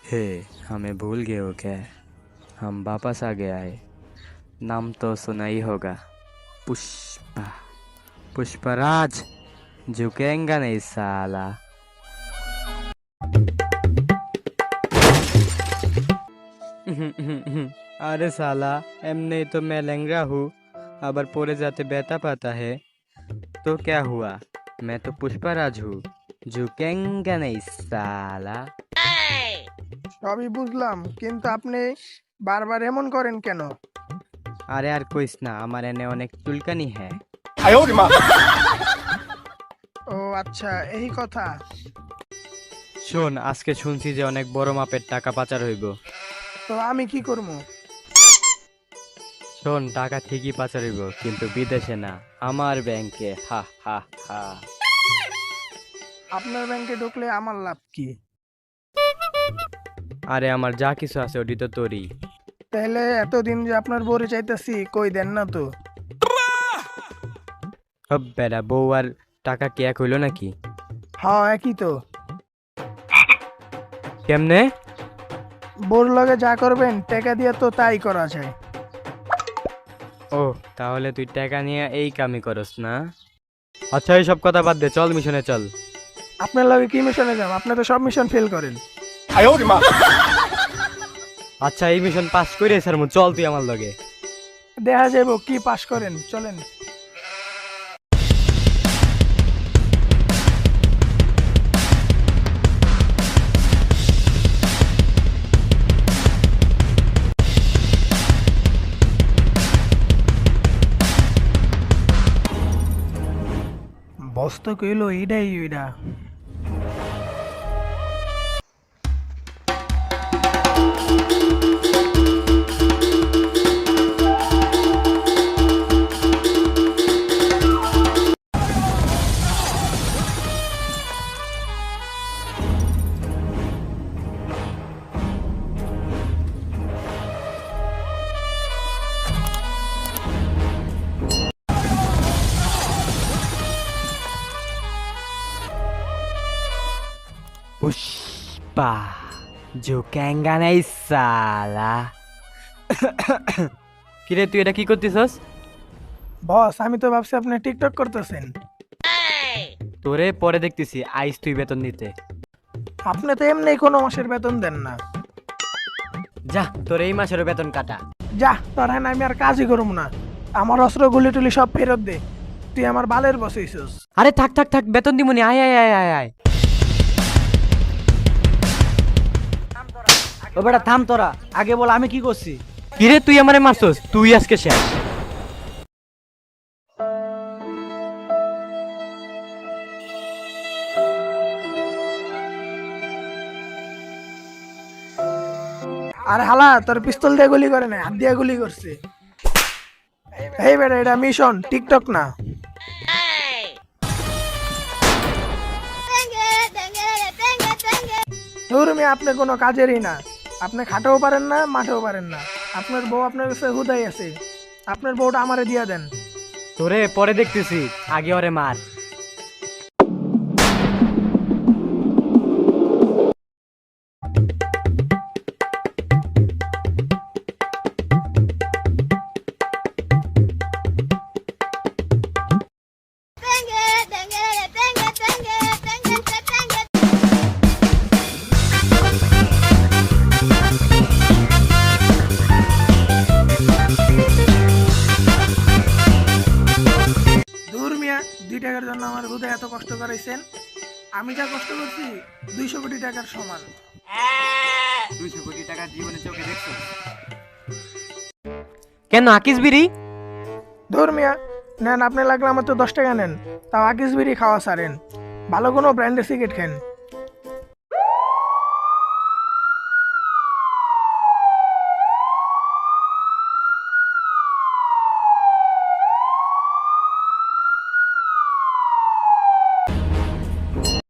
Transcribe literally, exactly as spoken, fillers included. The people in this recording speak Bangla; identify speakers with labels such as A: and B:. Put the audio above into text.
A: हे, हमें भूल गए हो क्या? हम वापस आ गया है। नाम तो सुना ही होगा। पुष्पा। पुष्पराज। झुकेंगा नहीं साला। अरे साला, एमने तो मैं लंगड़ा हूँ। अबर पोरे जाते बेता पाता है तो क्या हुआ? मैं तो पुष्पराज हूँ। झुकेंगा नहीं साला।
B: সবই বুঝলাম, কিন্তু আপনি বারবার এমন করেন কেন?
A: अरे यार कोई ना, हमारे ने अनेक चुलकानी है।
B: ও আচ্ছা, এই কথা।
A: শোন, আজকে শুনছি যে অনেক বড় মাপের টাকা পাচার হইব।
B: তো আমি কি করব?
A: শোন, টাকা ঠিকই পাচার হইব, কিন্তু বিদেশে না, আমার ব্যাংকে। হা হা হা।
B: আপনার ব্যাংকে ঢুকলে আমার লাভ কি?
A: আরে আমার যা কিছু আছে ওটি তো তোরই।
B: তাহলে এতদিন যে আপনার বউরে চাইতেছি, কই দেন না তো?
A: হব বেড়া, বউ আর টাকা কি এক হইল নাকি?
B: হ্যাঁ, একই তো।
A: কেমনে?
B: বউর লগে যা করবেন টাকা দিয়ে তো তাই করা যায়।
A: ও, তাহলে তুই টাকা নিয়ে এই কামই করস না? আচ্ছা, এইসব কথা বাদ দে, চল মিশনে চল।
B: আপনার লগে কি মিশনে যাব? আপনি তো সব মিশন ফেল করেন।
A: আচ্ছা, এই মিশন পাস করে স্যার মু চল তুই আমার লগে।
B: দেখা যাইব কি পাস করেন, চলেন। বস্ত কইল এইডাই ওইডা।
A: पुष्पा। झुकेंगा नहीं साला। কিরে, তুই এটা কি করতেছস?
B: বস, আমি তো ভাবছি আপনি টিকটক করতেছেন।
A: তোরে পরে দেখতেছি, আইস তুই বেতন নিতে।
B: আপনি তো এমনি কোনো মাসের বেতন দেন না।
A: যা, তোর এই মাসের বেতন কাটা।
B: যা, তোর হ্যাঁ আমি আর কাজই করব না। আমার অস্ত্র গুলি টুলি সব ফেরত দে। তুই আমার বালের বস হইছস।
A: আরে থাক থাক থাক, বেতন দিমুনি। আয় আয় আয় আয় আয়।
C: ও বেটা থাম তোরা, আগে বল আমি কি করছি?
A: কিরে, তুই আমারে মারছস? তুই আজকে শেষ।
B: আর হালা, তোর পিস্তল দিয়ে গুলি করে না, হাত দিয়ে গুলি করছে। এই বেটা, এটা মিশন, টিকটক না। ধর্মী, আপনি কোনো কাজেরই না। আপনি খাটেও পারেন না, মাঠেও পারেন না। আপনার বউ আপনার কাছে হুদাই আছে। আপনার বউটা আমারে দিয়া দেন।
A: তোরে পরে দেখতেছি, আগে ওরে মার।
B: ধর্মিয়া, দুই টাকার জন্য আমার হুদাই এত কষ্ট করাইছেন। আমি যা কষ্ট করছি দুইশো কোটি টাকার সমান।
A: দুইশো কোটি টাকা জীবনে চোখে দেখছো? কেন আকিস বিড়ি?
B: ধর্মিয়া, নেন, আপনি লাগলে আমার তো দশ টাকা নেন, তাও আকিস বিড়ি খাওয়া সারেন। ভালো কোনো ব্র্যান্ডের সিগারেট খেন।